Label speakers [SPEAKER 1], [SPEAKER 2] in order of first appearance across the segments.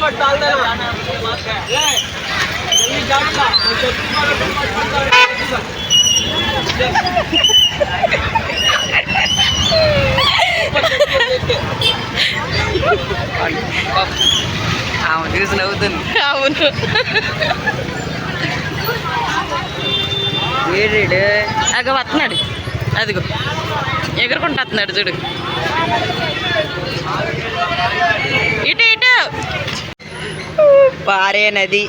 [SPEAKER 1] చూసి నవ్వుతుంది. అవును, ఏడు అగో వస్తున్నాడు, అదిగో ఎగురుకుంటూ వస్తున్నాడు చూడు. ఇటు ఇటు పారే నది.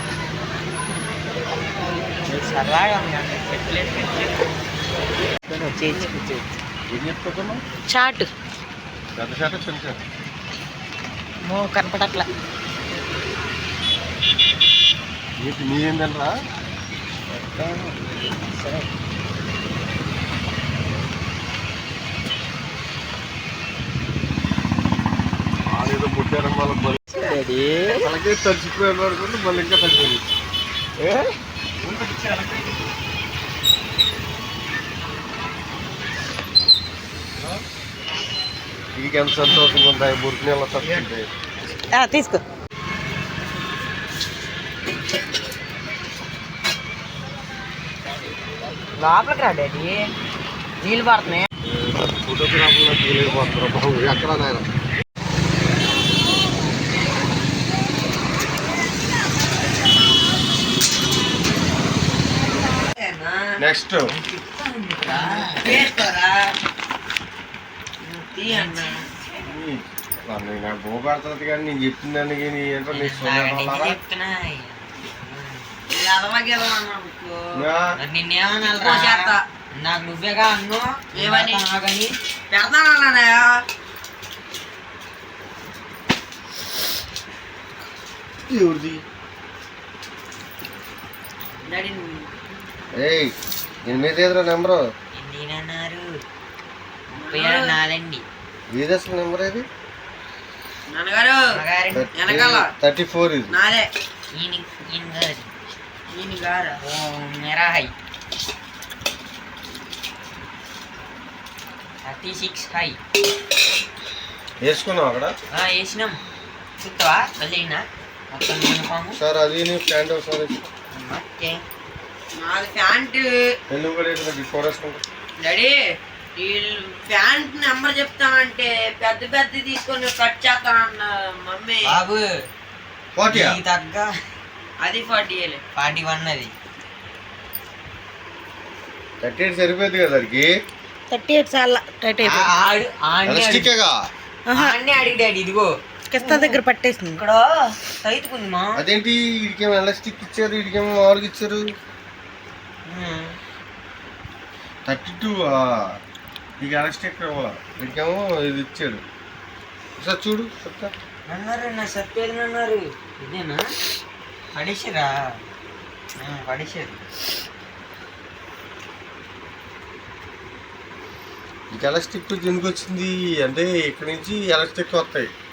[SPEAKER 1] చాటు కనపడట్లా. సరే
[SPEAKER 2] ఏదో పుట్టారం వాళ్ళ అలాగే తడిచిపోయాడు అనుకుంటే మళ్ళీ ఇంకా తగ్గిపోయింది. నీకు ఎంత సంతోషంగా ఉంటాయి బురికి నీళ్ళ తట్టుకుంటాయి.
[SPEAKER 1] తీసుకో. లోపలికి రా డాడీ, నీళ్ళు పడుతున్నాయి.
[SPEAKER 2] ఫోటోగ్రాఫర్లో తీయలేకపోతున్నారు బాబు, ఎక్కడ నాయన. నెక్స్ట్ నాకు బో పడుతుంది కానీ నేను చెప్తున్నాను కానీ ఏంటో నీకు
[SPEAKER 1] నాకు నువ్వేగా అన్ను ఏమని పెడతానన్నా.
[SPEAKER 2] ఎవరిది ఎనిమిది ఎదురా నెంబరు ఏదసలు నెంబర్ ఇది 34 ఇది. వేసుకున్నావు అక్కడ
[SPEAKER 1] వేసినాం. చూస్తావా
[SPEAKER 2] సార్ అది ప్యాంట్ ఒకసారి
[SPEAKER 1] ప్యాంటు డాడీ ప్యాంట్ నెంబర్ చెప్తామంటే పెద్ద పెద్ద తీసుకొని కట్ చేస్తానన్నా మమ్మీ. బాబు తగ్గ అది 41 అది
[SPEAKER 2] 38 సరిపోయింది కదా దానికి.
[SPEAKER 1] 38 చాలా అడిగి డాడీ ఇదిగో కిస్తా దగ్గర పట్టేసింది ఇక్కడ తైతుకుంది మా.
[SPEAKER 2] అదేంటి ఇడికేమో ఎలాస్టిక్ ఇచ్చారు, ఇడికేమో మామూలుగా ఇచ్చారు. 32 నీకు ఎలాస్టిక్ ఇడికేమో ఇది ఇచ్చాడు. సార్ చూడు చెప్తా
[SPEAKER 1] అన్నారు. నా చెప్పేది అన్నారు. ఇదేనా పడేసారా? పడేసారు.
[SPEAKER 2] నీకు ఎలాస్టిక్ ఎందుకు వచ్చింది అంటే ఇక్కడి నుంచి ఎలాస్టిక్ వస్తాయి.